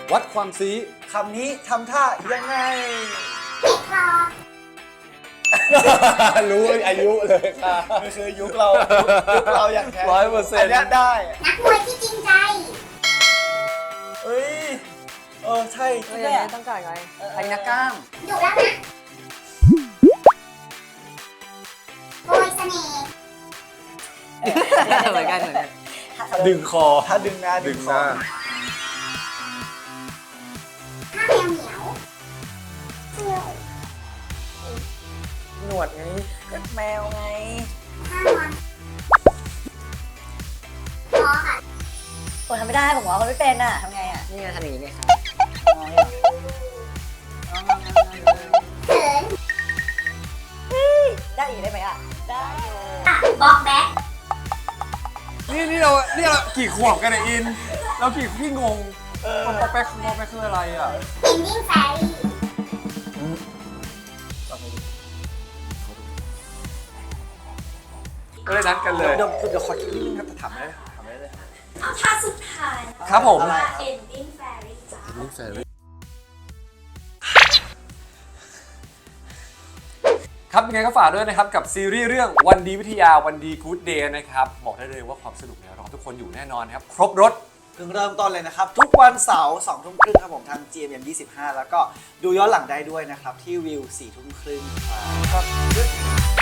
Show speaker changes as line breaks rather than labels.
วัดความซี
คำนี้ทำท่ายังไง
รู้อายุเลยค่ะ
นี่คือยุคเราอย่างแท้
100%
อันนี้ได้
นักมวยที่จริงใจ
เอ้ยใช่
ไม่ได้ต้องการไงใครนักกล้าม
ดุแล้วนะโปรยเสน่ห์
เหมือนกันเหมือนกัน
ดึงคอ
ถ้าดึงหน้า
ดึ
ดึ
ง
ง
ห
คอ
น้า
ถ้าแมวเหมียวเที่ยว
หนวดไงก็แมวไง
ถ้านอนพอค่ะ
ผมทำไม่ได้ผมว่าคนไม่เป็นอ่ะทำไงอ่ะ
นี่ไงทำอย่างนี้ไงครับ
เขิน
ได้อีกได้ไหมอ่ะ ได้
บอกแบ็ค
นี่เรากี่ขวบกันเนี่ยอิน เราพี่งงพอแป๊กคืออะไรอ่ะ
เอนดิ้งแฟรี่
ก็เลยนัดกันเลย
เดี๋ยวขอคิดนิดนึงครับแต่ถามได้เลย
เอาท่าสุดท้าย
ครับผม
อะไร
เอนดิ้งแฟรี่จ้า
ครับยังไงก็ฝากด้วยนะครับกับซีรีส์เรื่องวันดีวิทยาวันดีกู๊ดเดย์นะครับบอกได้เลยว่าความสนุกเนี่ยรอทุกคนอยู่แน่นอนครับครบรถ
เพิ่งเริ่มต้นเลยนะครับ ทุกวันเสาร์2 ทุ่มครึ่งครับผมทาง GMM 25 แล้วก็ดูย้อนหลังได้ด้วยนะครับ ที่วิว4 ทุ่มครึ่งครับ